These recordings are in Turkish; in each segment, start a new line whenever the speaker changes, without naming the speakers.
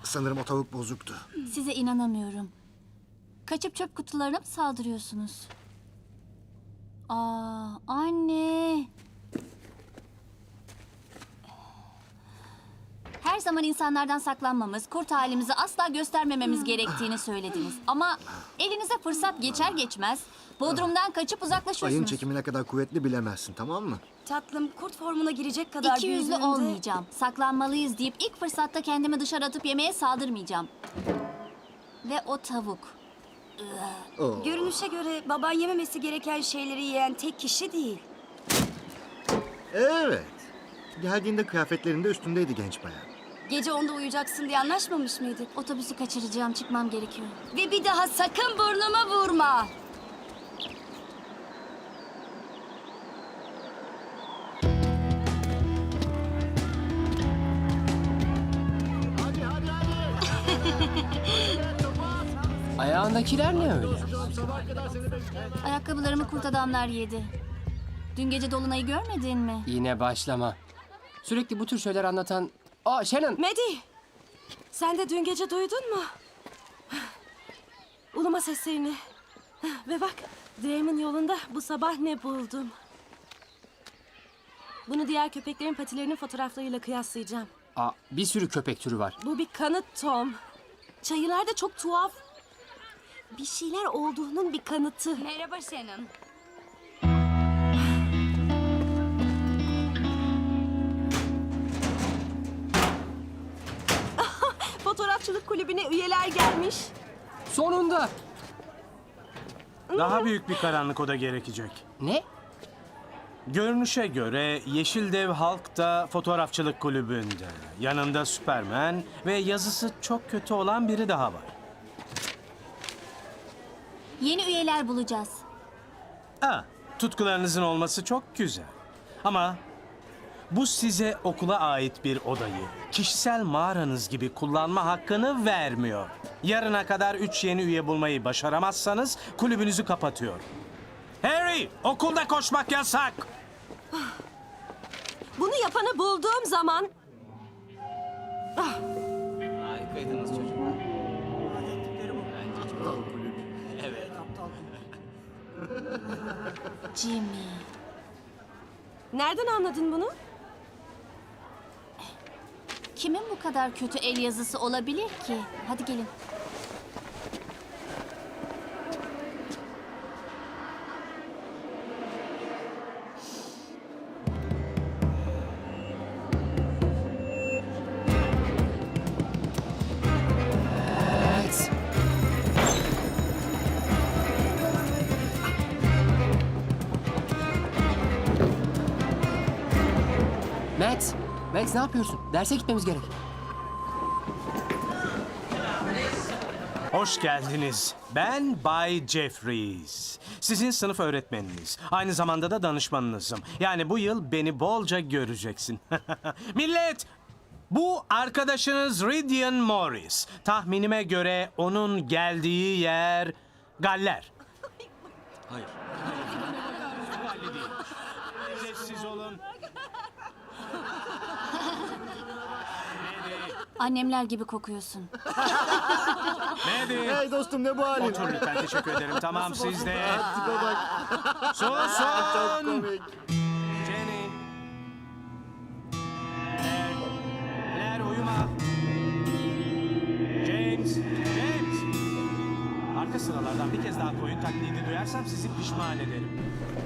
Sanırım o tavuk bozuktu.
Size inanamıyorum. Kaçıp çöp kutularına mı saldırıyorsunuz? Aa, anne. Her zaman insanlardan saklanmamız, kurt halimizi asla göstermememiz gerektiğini söylediniz. Ama elinize fırsat geçer geçmez Bodrum'dan kaçıp
Ayın
uzaklaşıyorsunuz.
çekimi ne kadar kuvvetli bilemezsin, tamam mı?
Tatlım, kurt formuna girecek kadar
İki yüzlü
büyüdüğünde...
olmayacağım. Saklanmalıyız deyip ilk fırsatta kendimi dışarı atıp yemeğe saldırmayacağım. Ve o tavuk.
Oo.
Görünüşe göre baban yememesi gereken şeyleri yiyen tek kişi değil.
Evet. Geldiğinde kıyafetlerinde üstündeydi genç bayan.
Gece 10'da uyuyacaksın diye anlaşmamış mıydık?
Otobüsü kaçıracağım, çıkmam gerekiyor.
Ve bir daha sakın burnuma vurma.
Ayağındakiler ne öyle?
Ayakkabılarımı kurt adamlar yedi. Dün gece dolunayı görmedin mi?
Yine başlama. Sürekli bu tür şeyler anlatan... Aa Shannon!
Maddie, sen de dün gece duydun mu? Uluma seslerini. Ve bak, Drake'in yolunda bu sabah ne buldum. Bunu diğer köpeklerin patilerinin fotoğraflarıyla kıyaslayacağım.
Aa, bir sürü köpek türü var.
Bu bir kanıt Tom. Çayırlarda çok tuhaf bir şeyler olduğunun bir kanıtı.
Merhaba Shannon.
Fotoğrafçılık kulübüne üyeler gelmiş.
Sonunda!
Daha büyük bir karanlık oda gerekecek.
Ne?
Görünüşe göre Yeşil Dev Halk da fotoğrafçılık kulübünde. Yanında Süpermen ve yazısı çok kötü olan biri daha var.
Yeni üyeler bulacağız.
Tutkularınızın olması çok güzel. Ama bu size okula ait bir odayı kişisel mağaranız gibi kullanma hakkını vermiyor. Yarına kadar 3 yeni üye bulmayı başaramazsanız kulübünüzü kapatıyor. Harry, okulda koşmak yasak.
Bunu yapanı bulduğum zaman...
Harikaydınız çocuklar.
Jimmy.
Nereden anladın bunu?
Kimin bu kadar kötü el yazısı olabilir ki? Hadi gelin.
Evet. Max ne yapıyorsun? Derse gitmemiz gerek.
Hoş geldiniz. Ben Bay Jeffries. Sizin sınıf öğretmeniniz. Aynı zamanda da danışmanınızım. Yani bu yıl beni bolca göreceksin. Millet! Bu arkadaşınız Ridian Morris. Tahminime göre onun geldiği yer Galler.
Hayır.
Sessiz olun.
Annemler gibi kokuyorsun.
Maddie.
Hey dostum, ne bu halin?
Otur lütfen, teşekkür ederim. Tamam, siz de.
Tipe bak. Çok
Susun!
komik.
Jenny. Blair uyuma. James. Arka sıralardan bir kez daha koyun taklidi duyarsam sizi pişman ederim.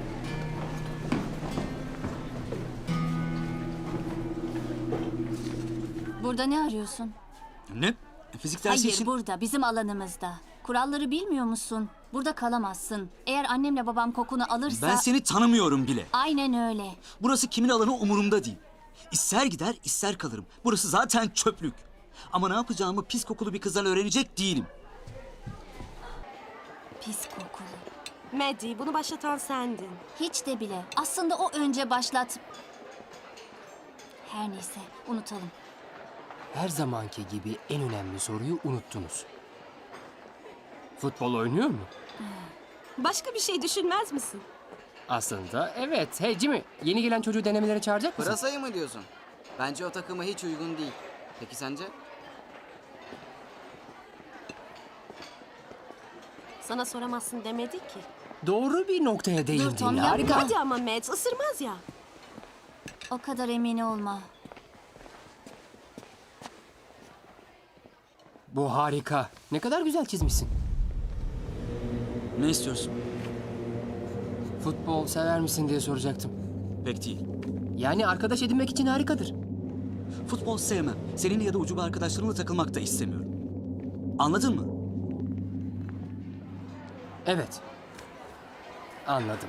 Burada ne arıyorsun?
Ne? Fizik dersi
Hayır,
için...
burada, bizim alanımızda. Kuralları bilmiyor musun? Burada kalamazsın. Eğer annemle babam kokunu alırsa...
Ben seni tanımıyorum bile.
Aynen öyle.
Burası kimin alanı umurumda değil. İster gider, ister kalırım. Burası zaten çöplük. Ama ne yapacağımı pis kokulu bir kızdan öğrenecek değilim.
Pis kokulu.
Maddie, bunu başlatan sendin.
Hiç de bile. Aslında o önce başlat... Her neyse, unutalım.
Her zamanki gibi en önemli soruyu unuttunuz. Futbol oynuyor mu?
Başka bir şey düşünmez misin?
Aslında evet. Hey Jimmy, yeni gelen çocuğu denemelere çağıracak mısın?
Pırasayı mı diyorsun? Bence o takıma hiç uygun değil. Peki sence?
Sana soramazsın demedik ki.
Doğru bir noktaya değindin.
Tom, yapma.
Harika.
Hadi ama Matt, ısırmaz ya.
O kadar emin olma.
Bu harika. Ne kadar güzel çizmişsin.
Ne istiyorsun?
Futbol sever misin diye soracaktım.
Pek değil.
Yani arkadaş edinmek için harikadır.
Futbol sevmem. Seninle ya da ucube arkadaşlarımla takılmak da istemiyorum. Anladın mı?
Evet. Anladım.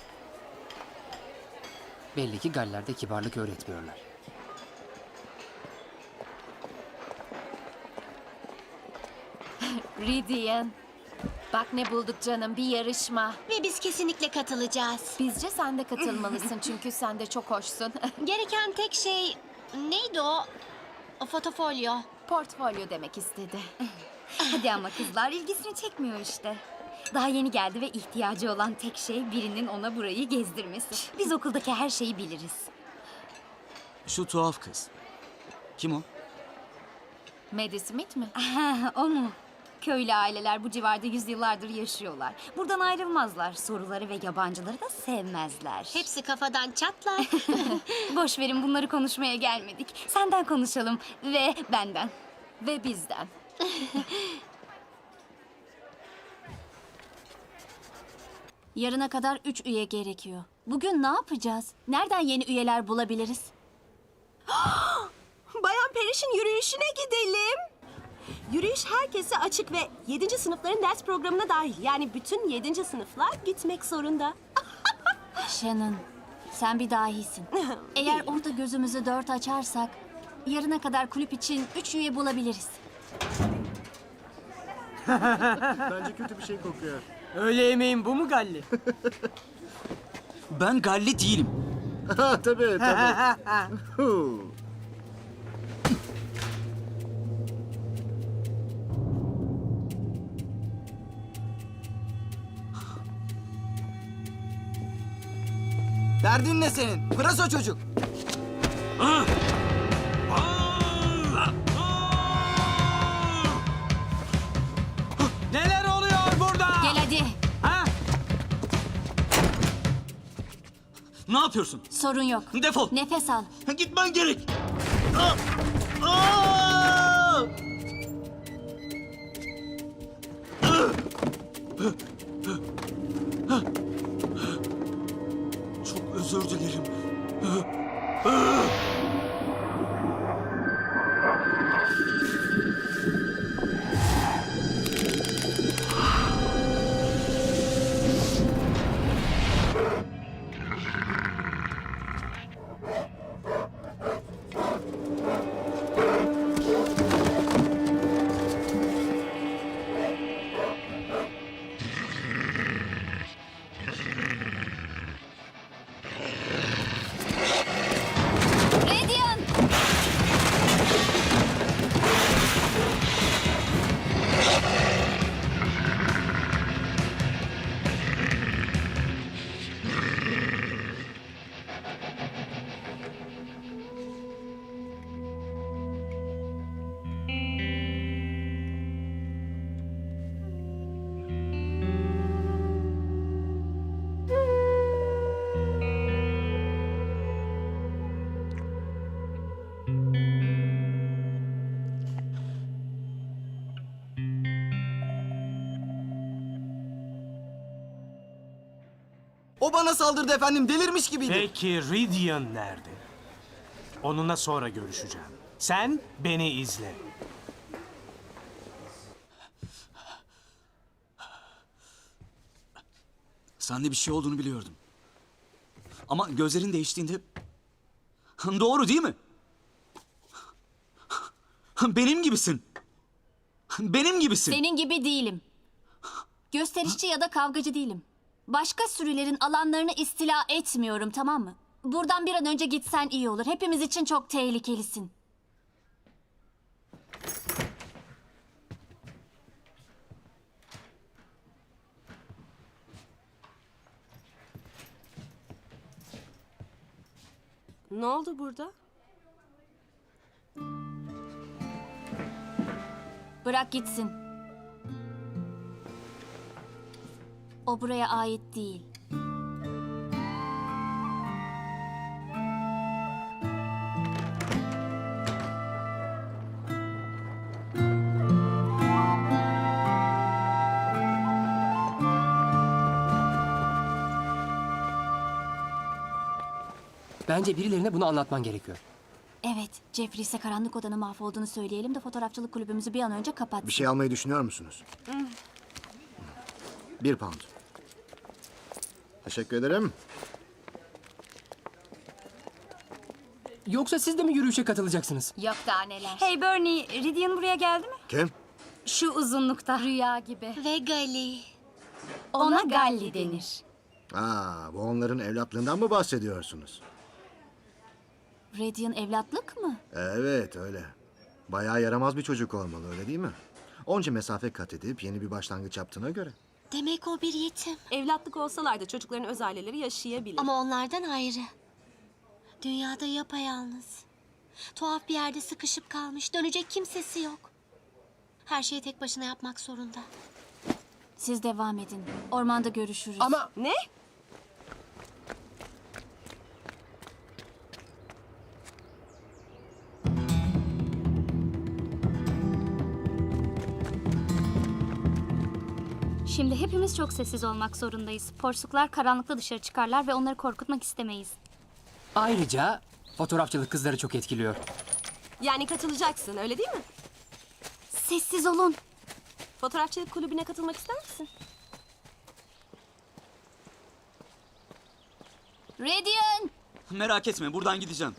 Belli ki Galler'de kibarlık öğretmiyorlar.
Ridian. Bak ne bulduk canım, bir yarışma.
Ve biz kesinlikle katılacağız.
Bizce sen de katılmalısın çünkü sen de çok hoşsun.
Gereken tek şey neydi o? O fotofolyo.
Portfolyo demek istedi.
Hadi ama kızlar ilgisini çekmiyor işte. Daha yeni geldi ve ihtiyacı olan tek şey birinin ona burayı gezdirmesi. Biz okuldaki her şeyi biliriz.
Şu tuhaf kız. Kim o?
Maddie Smith mi?
O mu? Köylü aileler bu civarda yüzyıllardır yaşıyorlar. Buradan ayrılmazlar. Soruları ve yabancıları da sevmezler.
Hepsi kafadan çatlar.
Boş verin, bunları konuşmaya gelmedik. Senden konuşalım ve benden.
Ve bizden.
Yarına kadar 3 üye gerekiyor. Bugün ne yapacağız? Nereden yeni üyeler bulabiliriz?
Bayan Periş'in yürüyüşüne gidelim. Yürüyüş herkese açık ve 7. sınıfların ders programına dahil. Yani bütün 7. sınıflar gitmek zorunda.
Shannon, sen bir dahisin. Eğer orada gözümüzü 4 açarsak, yarına kadar kulüp için 3 üye bulabiliriz.
Bence kötü bir şey kokuyor.
Öğle yemeğin bu mu Galli?
Ben Galli değilim.
Ha tabii tabii. Huu.
Derdin ne senin? Pırasa çocuk.
Neler oluyor burada?
Gel hadi.
Ha?
Ne yapıyorsun?
Sorun yok.
Defol.
Nefes al.
Gitmen gerek. Ah! Ah! Çok özür dilerim.
Radiant!
O bana saldırdı efendim. Delirmiş gibiydi.
Peki Ridian nerede? Onunla sonra görüşeceğim. Sen beni izle.
Sende bir şey olduğunu biliyordum. Ama gözlerin değiştiğinde... Doğru değil mi? Benim gibisin. Benim gibisin.
Senin gibi değilim. Gösterişçi ya da kavgacı değilim. Başka sürülerin alanlarını istila etmiyorum, tamam mı? Buradan bir an önce gitsen iyi olur. Hepimiz için çok tehlikelisin.
Ne oldu burada?
Bırak gitsin. O buraya ait değil.
Bence birilerine bunu anlatman gerekiyor.
Evet, Jeffries'e karanlık odanın mahvolduğunu söyleyelim de fotoğrafçılık kulübümüzü bir an önce kapatsın.
Bir şey almayı düşünüyor musunuz? 1 pound. Teşekkür ederim.
Yoksa siz de mi yürüyüşe katılacaksınız?
Yok daha neler. Hey Bernie, Ridian buraya geldi mi?
Kim?
Şu uzunlukta.
Rüya gibi.
Ve Gali.
Ona Galli denir.
Aa, bu onların evlatlığından mı bahsediyorsunuz?
Radian evlatlık mı?
Evet, öyle. Bayağı yaramaz bir çocuk olmalı, öyle değil mi? Onca mesafe kat edip yeni bir başlangıç yaptığına göre.
Demek o bir yetim.
Evlatlık olsalar da çocukların öz aileleri yaşayabilir.
Ama onlardan ayrı. Dünyada yapayalnız. Tuhaf bir yerde sıkışıp kalmış. Dönecek kimsesi yok. Her şeyi tek başına yapmak zorunda.
Siz devam edin. Ormanda görüşürüz.
Ama
Ne?
Şimdi hepimiz çok sessiz olmak zorundayız. Porsuklar karanlıkta dışarı çıkarlar ve onları korkutmak istemeyiz.
ayrıca fotoğrafçılık kızları çok etkiliyor.
Yani katılacaksın, öyle değil mi?
Sessiz olun.
Fotoğrafçılık kulübüne katılmak ister misin?
Radian!
Merak etme, buradan gideceğim.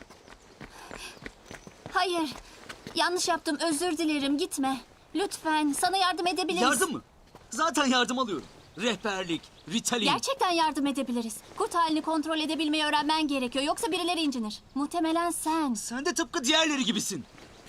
Hayır. Yanlış yaptım. Özür dilerim. Gitme. Lütfen. Sana yardım edebiliriz.
Yardım mı? Zaten yardım alıyorum. Rehberlik, Ritalin.
Gerçekten yardım edebiliriz. Kurt halini kontrol edebilmeyi öğrenmen gerekiyor. Yoksa birileri incinir. Muhtemelen sen.
Sen de tıpkı diğerleri gibisin.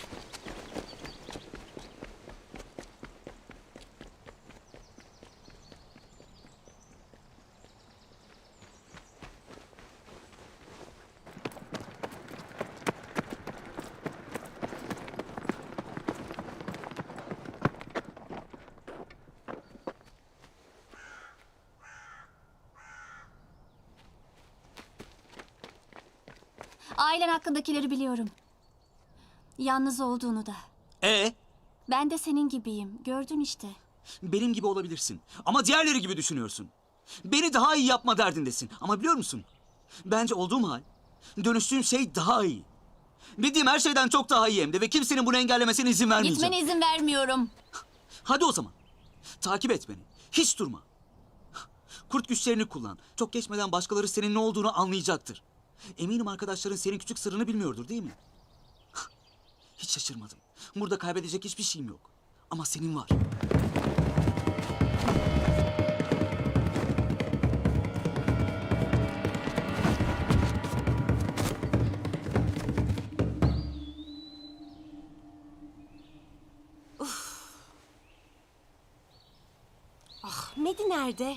Ailen hakkındakileri biliyorum. Yalnız olduğunu da. Ben de senin gibiyim. Gördün işte.
Benim gibi olabilirsin. Ama diğerleri gibi düşünüyorsun. Beni daha iyi yapma derdindesin. Ama biliyor musun? Bence olduğum hal, dönüştüğüm şey daha iyi. Bildiğim her şeyden çok daha iyi hem de ve kimsenin bunu engellemesine izin vermeyeceğim.
Gitmene izin vermiyorum.
Hadi o zaman. Takip et beni. Hiç durma. Kurt güçlerini kullan. Çok geçmeden başkaları senin ne olduğunu anlayacaktır. Eminim arkadaşların senin küçük sırrını bilmiyordur, değil mi? Hiç şaşırmadım. Burada kaybedecek hiçbir şeyim yok. Ama senin var.
Medi nerede?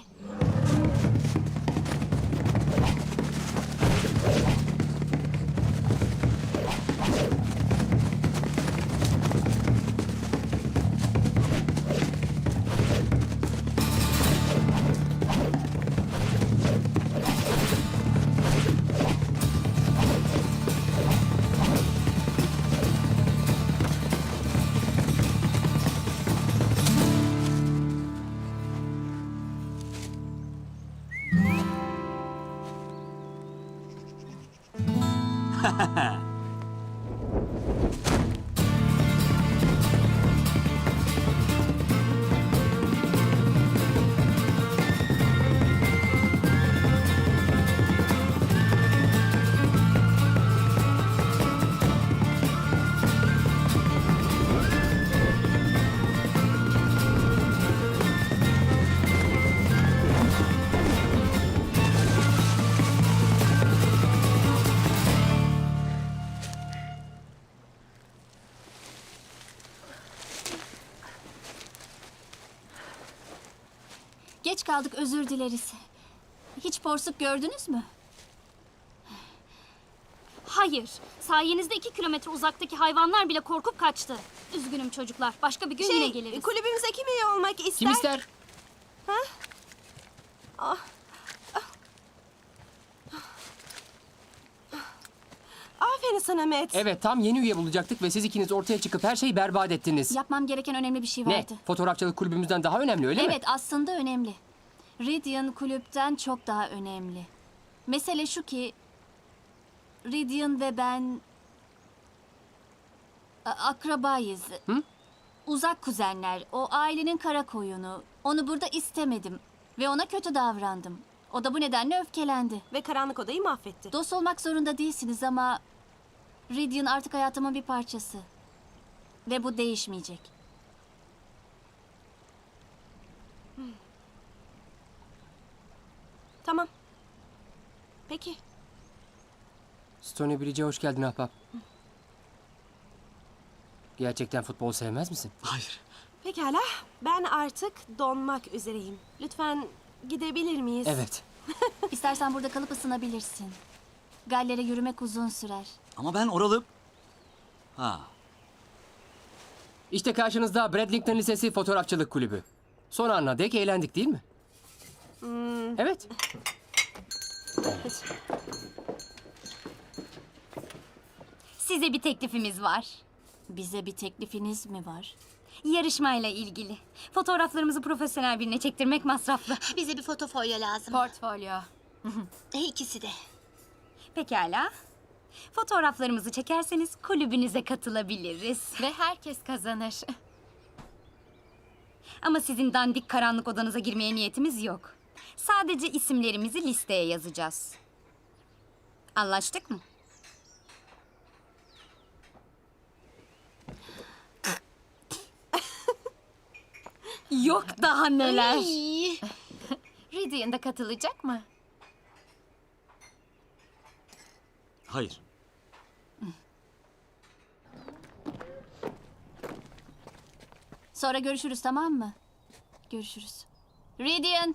Geç kaldık, özür dileriz. Hiç porsuk gördünüz mü?
Hayır. Sayenizde 2 kilometre uzaktaki hayvanlar bile korkup kaçtı. Üzgünüm çocuklar. Başka bir gün yine geliriz.
Kulübümüze kim üye olmak ister?
Kim ister?
Aferin sana Matt.
Evet, tam yeni üye bulacaktık ve siz ikiniz ortaya çıkıp her şeyi berbat ettiniz.
Yapmam gereken önemli bir şey
Ne?
vardı.
Fotoğrafçılık kulübümüzden daha önemli öyle mi?
Evet, aslında önemli. Radian kulüpten çok daha önemli. Mesele şu ki Radian ve ben akrabayız. Uzak kuzenler. O ailenin kara koyunu. Onu burada istemedim ve ona kötü davrandım. O da bu nedenle öfkelendi.
Ve karanlık odayı mahvetti.
Dost olmak zorunda değilsiniz ama Radian artık hayatımın bir parçası. Ve bu değişmeyecek.
Tamam. Peki.
Stony Bridge'e hoş geldin ahbap. Gerçekten futbol sevmez misin?
Hayır.
Pekala. Ben artık donmak üzereyim. Lütfen gidebilir miyiz?
Evet.
İstersen burada kalıp ısınabilirsin. Gallere yürümek uzun sürer.
Ama ben oralı... Ha.
İşte karşınızda Bradlington Lisesi Fotoğrafçılık Kulübü. Son ana dek eğlendik değil mi? Evet.
Size bir teklifimiz var.
Bize bir teklifiniz mi var?
Yarışmayla ilgili. Fotoğraflarımızı profesyonel birine çektirmek masraflı.
Bize bir fotofolyo lazım.
Portfolyo.
İkisi de.
Pekala. Fotoğraflarımızı çekerseniz kulübünüze katılabiliriz.
Ve herkes kazanır.
Ama sizin dandik karanlık odanıza girmeye niyetimiz yok. Sadece isimlerimizi listeye yazacağız. Anlaştık mı? Yok daha neler.
Radian da katılacak mı?
Hayır.
Sonra görüşürüz, tamam mı? Görüşürüz. Radian!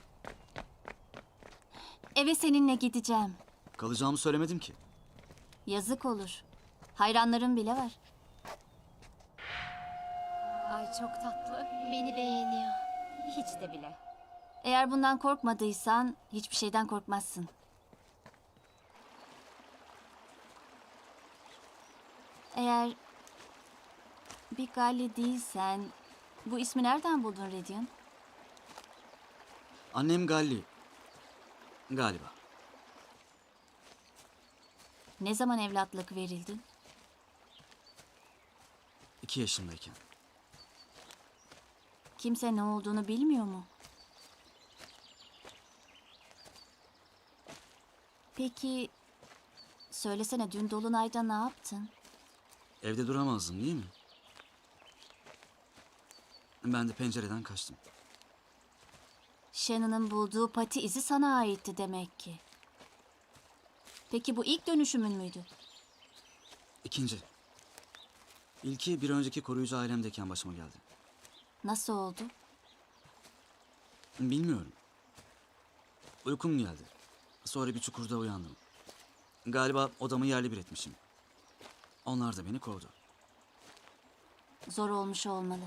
Eve seninle gideceğim.
Kalacağımı söylemedim ki.
Yazık olur. Hayranlarım bile var.
Ay çok tatlı.
Beni beğeniyor.
Hiç de bile.
Eğer bundan korkmadıysan hiçbir şeyden korkmazsın. Eğer bir Galli değilsen bu ismi nereden buldun Radian?
Annem Galli. Galiba.
Ne zaman evlatlık verildin?
2 yaşındayken.
Kimse ne olduğunu bilmiyor mu? Peki söylesene, dün Dolunay'da ne yaptın?
Evde duramazdım değil mi? Ben de pencereden kaçtım.
Shannon'ın bulduğu pati izi sana aitti demek ki. Peki bu ilk dönüşümün müydü?
İkinci. İlki bir önceki koruyucu ailemdeyken başıma geldi.
Nasıl oldu?
Bilmiyorum. Uykum geldi. Sonra bir çukurda uyandım. Galiba odamı yerle bir etmişim. Onlar da beni kovdu.
Zor olmuş olmalı.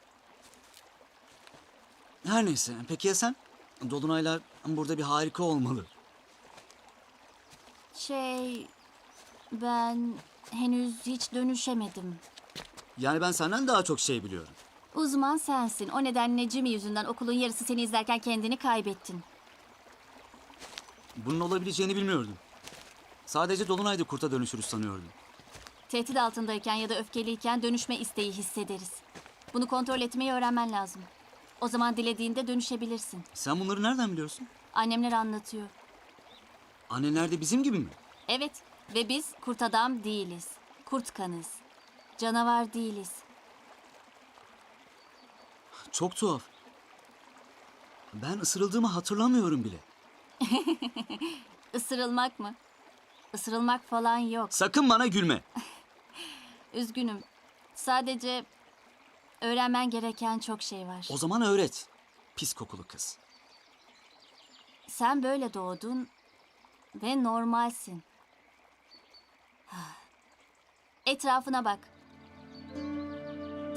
Her neyse. Peki ya sen? Dolunaylar burada bir harika olmalı.
Ben henüz hiç dönüşemedim.
Yani ben senden daha çok şey biliyorum.
Uzman sensin. O nedenle Jimmy yüzünden okulun yarısı seni izlerken kendini kaybettin.
Bunun olabileceğini bilmiyordum. Sadece Dolunay'da kurta dönüşürüz sanıyordum.
Tehdit altındayken ya da öfkeliyken dönüşme isteği hissederiz. Bunu kontrol etmeyi öğrenmen lazım. O zaman dilediğinde dönüşebilirsin.
Sen bunları nereden biliyorsun?
Annemler anlatıyor.
Annenler de bizim gibi mi?
Evet ve biz kurt adam değiliz. Kurt kanız. Canavar değiliz.
Çok tuhaf. Ben ısırıldığımı hatırlamıyorum bile.
Isırılmak mı? Isırılmak falan yok.
Sakın bana gülme.
Üzgünüm. Sadece öğrenmen gereken çok şey var.
O zaman öğret. Pis kokulu kız.
Sen böyle doğdun ve normalsin. Etrafına bak.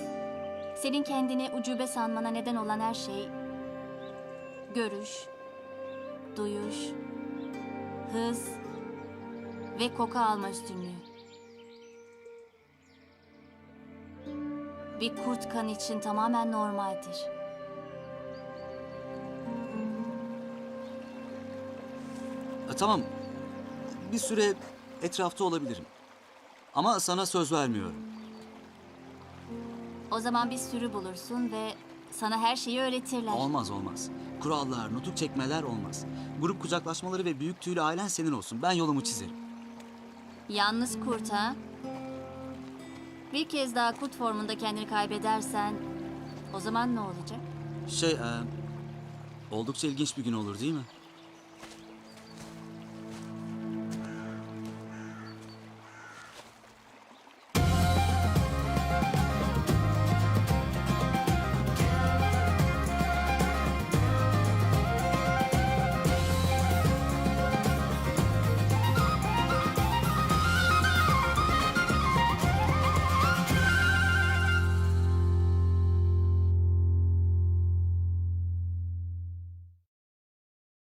Senin kendini ucube sanmana neden olan her şey... görüş, duyuş, hız ve koku alma üstünlüğü. Bir kurt kan için tamamen normaldir.
Tamam. Bir süre etrafta olabilirim. Ama sana söz vermiyorum.
O zaman bir sürü bulursun ve sana her şeyi öğretirler.
Olmaz olmaz. Kurallar, nutuk çekmeler olmaz. Grup kucaklaşmaları ve büyük tüylü ailen senin olsun. Ben yolumu çizerim.
Yalnız kurt ha? Bir kez daha kurt formunda kendini kaybedersen o zaman ne olacak?
Oldukça ilginç bir gün olur değil mi?